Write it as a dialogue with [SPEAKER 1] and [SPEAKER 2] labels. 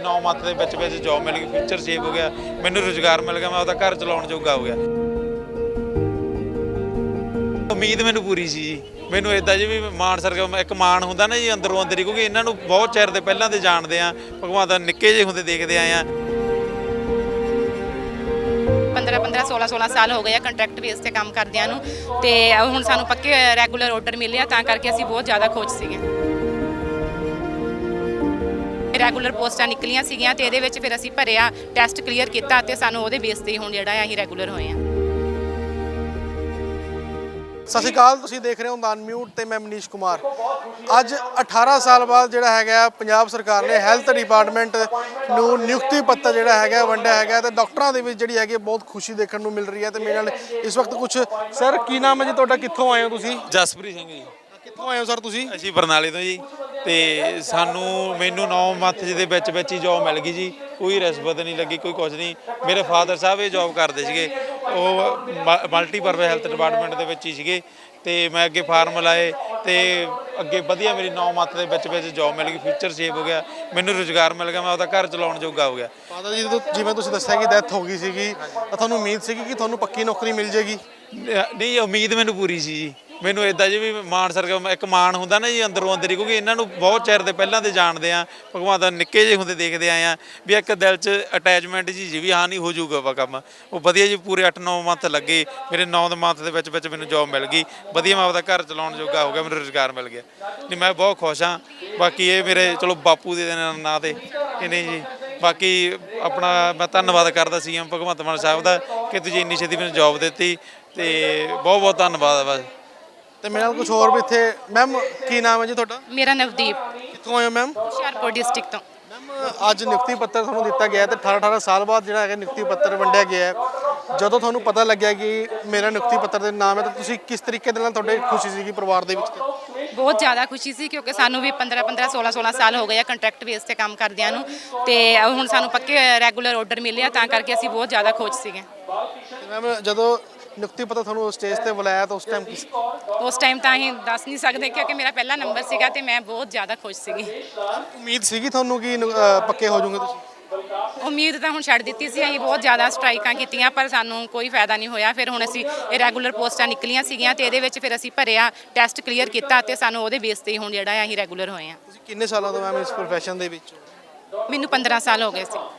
[SPEAKER 1] 9 month ਦੇ ਵਿੱਚ job ਮਿਲ ਗਈ, ਫਿਊਚਰ ਸੇਵ ਹੋ ਗਿਆ, ਮੈਨੂੰ ਰੁਜ਼ਗਾਰ ਮਿਲ ਗਿਆ, ਮੈਂ ਆਪਦਾ ਘਰ ਚਲਾਉਣ ਜੋਗਾ ਹੋ ਗਿਆ। ਉਮੀਦ ਮੈਨੂੰ ਪੂਰੀ ਸੀ ਜੀ, ਮੈਨੂੰ ਇਦਾਂ ਜੀ ਵੀ ਮਾਣ ਸਰਕਮ ਇੱਕ ਮਾਣ ਹੁੰਦਾ ਨਾ ਜੀ ਅੰਦਰੋਂ ਅੰਦਰ ਹੀ, ਕਿਉਂਕਿ ਇਹਨਾਂ ਨੂੰ ਬਹੁਤ ਚਿਰ ਦੇ ਪਹਿਲਾਂ ਦੇ ਜਾਣਦੇ ਆ, ਭਗਵਾਨ ਦਾ ਨਿੱਕੇ ਜਿਹੇ ਹੁੰਦੇ ਦੇਖਦੇ ਆਏ ਆ।
[SPEAKER 2] 15 16 ਸਾਲ ਹੋ ਗਏ ਆ ਕੰਟਰੈਕਟ ਬੇਸ ਤੇ ਕੰਮ ਕਰਦਿਆਂ ਨੂੰ, ਤੇ ਹੁਣ ਸਾਨੂੰ ਪੱਕੇ ਰੈਗੂਲਰ ਆਰਡਰ ਮਿਲੇ ਆ, ਤਾਂ ਕਰਕੇ ਅਸੀਂ ਬਹੁਤ ਜ਼ਿਆਦਾ ਖੁਸ਼ ਸੀਗੇ। ਰੈਗੂਲਰ ਪੋਸਟਾਂ ਨਿਕਲੀਆਂ ਸੀਗੀਆਂ ਤੇ ਇਹਦੇ ਵਿੱਚ ਫਿਰ ਅਸੀਂ ਭਰਿਆ, ਟੈਸਟ ਕਲੀਅਰ ਕੀਤਾ ਤੇ ਸਾਨੂੰ ਉਹਦੇ ਬੇਸ ਤੇ ਹੁਣ ਜਿਹੜਾ ਅਸੀਂ ਰੈਗੂਲਰ ਹੋਏ ਆ।
[SPEAKER 3] ਸਤਿ ਸ਼੍ਰੀ ਅਕਾਲ, ਤੁਸੀਂ ਦੇਖ ਰਹੇ ਹੋ ਅਨਮਿਊਟ ਤੇ ਮੈਂ ਮਨੀਸ਼ ਕੁਮਾਰ। ਅੱਜ 18 ਸਾਲ ਬਾਅਦ ਜਿਹੜਾ ਹੈਗਾ ਪੰਜਾਬ ਸਰਕਾਰ ਨੇ ਹੈਲਥ ਡਿਪਾਰਟਮੈਂਟ ਨੂੰ ਨਿਯੁਕਤੀ ਪੱਤਰ ਜਿਹੜਾ ਹੈਗਾ ਵੰਡਿਆ ਹੈਗਾ, ਤੇ ਡਾਕਟਰਾਂ ਦੇ ਵਿੱਚ ਜਿਹੜੀ ਹੈਗੀ ਬਹੁਤ ਖੁਸ਼ੀ ਦੇਖਣ ਨੂੰ ਮਿਲ ਰਹੀ ਹੈ। ਤੇ ਮੇਰੇ ਨਾਲ ਇਸ ਵਕਤ ਕੁਝ ਸਰ, ਕੀ ਨਾਮ ਹੈ ਜੀ ਤੁਹਾਡਾ, ਕਿੱਥੋਂ ਆਏ ਹੋ ਤੁਸੀਂ?
[SPEAKER 1] ਜਸਪ੍ਰੀਤ ਸਿੰਘ ਜੀ।
[SPEAKER 3] ਕਿੱਥੋਂ ਆਏ ਹੋ ਸਰ ਤੁਸੀਂ?
[SPEAKER 1] ਅਸੀਂ ਬਰਨਾਲੇ ਤੋਂ ਜੀ, ਤੇ ਮੈਨੂੰ 9 ਮੰਥ ਦੇ ਵਿੱਚ ਹੀ ਜੌਬ ਮਿਲ ਗਈ ਜੀ, ਕੋਈ ਰਿਸ਼ਵਤ ਨਹੀਂ ਲੱਗੀ, ਕੋਈ ਕੁਝ ਨਹੀਂ। ਮੇਰੇ ਫਾਦਰ ਸਾਹਿਬ ਇਹ ਜੌਬ ਕਰਦੇ ਸੀਗੇ, ਉਹ ਮਲਟੀਪਰਪਸ ਹੈਲਥ ਡਿਪਾਰਟਮੈਂਟ ਦੇ ਵਿੱਚ ਹੀ ਸੀਗੇ, ਤੇ ਮੈਂ ਅੱਗੇ ਫਾਰਮ ਲਾਏ ਤੇ ਅੱਗੇ ਵਧੀਆ ਮੇਰੀ 9 ਮੰਥ ਦੇ ਵਿੱਚ ਜੌਬ ਮਿਲ ਗਈ, ਫਿਊਚਰ ਸੇਵ ਹੋ ਗਿਆ, ਮੈਨੂੰ ਰੁਜ਼ਗਾਰ ਮਿਲ ਗਿਆ, ਮੈਂ ਆਪਦਾ ਘਰ ਚਲਾਉਣ ਜੋਗਾ ਹੋ ਗਿਆ।
[SPEAKER 3] ਫਾਦਰ ਜੀ ਜਿਵੇਂ ਤੁਸੀਂ ਦੱਸਿਆ ਕਿ ਡੈਥ ਹੋ ਗਈ ਸੀਗੀ, ਤਾਂ ਤੁਹਾਨੂੰ ਉਮੀਦ ਸੀਗੀ ਕਿ ਤੁਹਾਨੂੰ ਪੱਕੀ ਨੌਕਰੀ ਮਿਲ ਜੇਗੀ?
[SPEAKER 1] ਨਹੀਂ, ਉਮੀਦ ਮੈਨੂੰ ਪੂਰੀ ਸੀ ਜੀ, ਮੈਨੂੰ ਇਦਾਂ ਜੀ ਵੀ ਮਾਣ ਸਰਕਮ ਇੱਕ ਮਾਣ ਹੁੰਦਾ ਨਾ ਜੀ ਅੰਦਰੋਂ ਅੰਦਰ ਹੀ, ਕਿਉਂਕਿ ਇਹਨਾਂ ਨੂੰ ਬਹੁਤ ਚਿਰ ਦੇ ਪਹਿਲਾਂ ਦੇ ਜਾਣਦੇ ਆ, ਭਗਵਾਨ ਦਾ ਨਿੱਕੇ ਜਿਹੇ ਹੁੰਦੇ ਦੇਖਦੇ ਆਏ ਆ, ਵੀ ਇੱਕ ਦਿਲ 'ਚ ਅਟੈਚਮੈਂਟ ਜੀ ਵੀ ਹਾਂ ਨਹੀਂ ਹੋ ਜਾਊਗਾ ਵਾ ਕੰਮ। ਉਹ ਵਧੀਆ ਜੀ, ਪੂਰੇ 8-9 ਮੰਥ ਲੱਗੇ, ਮੇਰੇ 9 ਮੰਥ ਦੇ ਵਿੱਚ ਮੈਨੂੰ ਜੌਬ ਮਿਲ ਗਈ, ਵਧੀਆ ਮੈਂ ਆਪਦਾ ਘਰ ਚਲਾਉਣ ਜੋਗਾ ਹੋ ਗਿਆ, ਮੈਨੂੰ ਰੁਜ਼ਗਾਰ ਮਿਲ ਗਿਆ। ਨਹੀਂ, ਮੈਂ ਬਹੁਤ ਖੁਸ਼ ਹਾਂ। ਬਾਕੀ ਇਹ ਮੇਰੇ ਚਲੋ ਬਾਪੂ ਦੇ ਨਾਂ 'ਤੇ ਕਿ ਨਹੀਂ ਜੀ, ਬਾਕੀ ਆਪਣਾ ਮੈਂ ਧੰਨਵਾਦ ਕਰਦਾ CM ਭਗਵੰਤ ਮਾਨ ਸਾਹਿਬ ਦਾ ਕਿ ਤੁਸੀਂ ਇੰਨੀ ਛੇਤੀ ਮੈਨੂੰ ਜੌਬ ਦਿੱਤੀ, ਤੇ ਬਹੁਤ ਬਹੁਤ ਧੰਨਵਾਦ ਬਸ।
[SPEAKER 3] ਤੇ ਮੇਰੇ ਨਾਲ ਕੁਝ ਹੋਰ ਵੀ ਇੱਥੇ। ਮੈਮ, ਕੀ ਨਾਮ ਹੈ ਜੀ ਤੁਹਾਡਾ?
[SPEAKER 2] ਮੇਰਾ ਨਵਦੀਪ,
[SPEAKER 3] ਕਿੱਥੋਂ ਆਏ ਹੋ ਮੈਮ?
[SPEAKER 2] ਹੁਸ਼ਿਆਰਪੁਰ ਡਿਸਟ੍ਰਿਕਟ ਤੋਂ।
[SPEAKER 3] ਮੈਮ, ਅੱਜ ਨਿਯੁਕਤੀ ਪੱਤਰ ਤੁਹਾਨੂੰ ਦਿੱਤਾ ਗਿਆ ਤੇ 18 ਸਾਲ ਬਾਅਦ ਜਿਹੜਾ ਹੈਗਾ ਨਿਯੁਕਤੀ ਪੱਤਰ ਵੰਡਿਆ ਗਿਆ ਹੈ। ਜਦੋਂ ਤੁਹਾਨੂੰ ਪਤਾ ਲੱਗਿਆ ਕਿ ਮੇਰਾ ਨਿਯੁਕਤੀ ਪੱਤਰ ਦੇ ਨਾਮ ਹੈ, ਤਾਂ ਤੁਸੀਂ ਕਿਸ ਤਰੀਕੇ ਦੇ ਨਾਲ, ਤੁਹਾਡੇ ਖੁਸ਼ੀ ਸੀਗੀ ਪਰਿਵਾਰ ਦੇ ਵਿੱਚ?
[SPEAKER 2] ਬਹੁਤ ਜ਼ਿਆਦਾ ਖੁਸ਼ੀ ਸੀ, ਕਿਉਂਕਿ ਸਾਨੂੰ ਵੀ 15 16 ਸਾਲ ਹੋ ਗਏ ਆ ਕੰਟਰੈਕਟ ਬੇਸ ਤੇ ਕੰਮ ਕਰਦਿਆਂ ਨੂੰ, ਤੇ ਹੁਣ ਸਾਨੂੰ ਪੱਕੇ ਰੈਗੂਲਰ ਆਰਡਰ ਮਿਲੇ ਆ, ਤਾਂ ਕਰਕੇ ਅਸੀਂ ਬਹੁਤ ਜ਼ਿਆਦਾ ਖੁਸ਼ ਸੀਗੇ।
[SPEAKER 3] ਮੈਮ, ਜਦੋਂ ਨਿਯੁਕਤੀ ਪੱਤਰ ਤੁਹਾਨੂੰ ਸਟੇਜ ਤੇ ਬੁਲਾਇਆ ਤਾਂ
[SPEAKER 2] ਉਸ ਟਾਈਮ ਤਾਂ ਅਸੀਂ ਦੱਸ ਨਹੀਂ ਸਕਦੇ, ਕਿਉਂਕਿ ਮੇਰਾ ਪਹਿਲਾ ਨੰਬਰ ਸੀਗਾ ਤੇ ਮੈਂ ਬਹੁਤ ਜ਼ਿਆਦਾ ਖੁਸ਼ ਸੀਗੀ।
[SPEAKER 3] ਉਮੀਦ ਸੀਗੀ ਤੁਹਾਨੂੰ ਕਿ ਪੱਕੇ ਹੋ ਜਾਓਗੇ ਤੁਸੀਂ?
[SPEAKER 2] ਉਮੀਦ ਤਾਂ ਹੁਣ ਛੱਡ ਦਿੱਤੀ ਸੀ, ਅਸੀਂ ਬਹੁਤ ਜ਼ਿਆਦਾ ਸਟ੍ਰਾਈਕਾਂ ਕੀਤੀਆਂ ਪਰ ਸਾਨੂੰ ਕੋਈ ਫਾਇਦਾ ਨਹੀਂ ਹੋਇਆ। ਫਿਰ ਹੁਣ ਅਸੀਂ ਇਹ ਰੈਗੂਲਰ ਪੋਸਟਾਂ ਨਿਕਲੀਆਂ ਸੀਗੀਆਂ ਤੇ ਇਹਦੇ ਵਿੱਚ ਫਿਰ ਅਸੀਂ ਭਰਿਆ, ਟੈਸਟ ਕਲੀਅਰ ਕੀਤਾ ਤੇ ਸਾਨੂੰ ਉਹਦੇ ਬੇਸ ਤੇ ਹੁਣ ਜਿਹੜਾ ਅਸੀਂ ਰੈਗੂਲਰ ਹੋਏ ਆ।
[SPEAKER 3] ਤੁਸੀਂ ਕਿੰਨੇ ਸਾਲਾਂ ਤੋਂ ਮੈਮ ਇਸ ਪ੍ਰੋਫੈਸ਼ਨ ਦੇ ਵਿੱਚ?
[SPEAKER 2] ਮੈਨੂੰ 15 ਸਾਲ ਹੋ ਗਏ ਸੀ।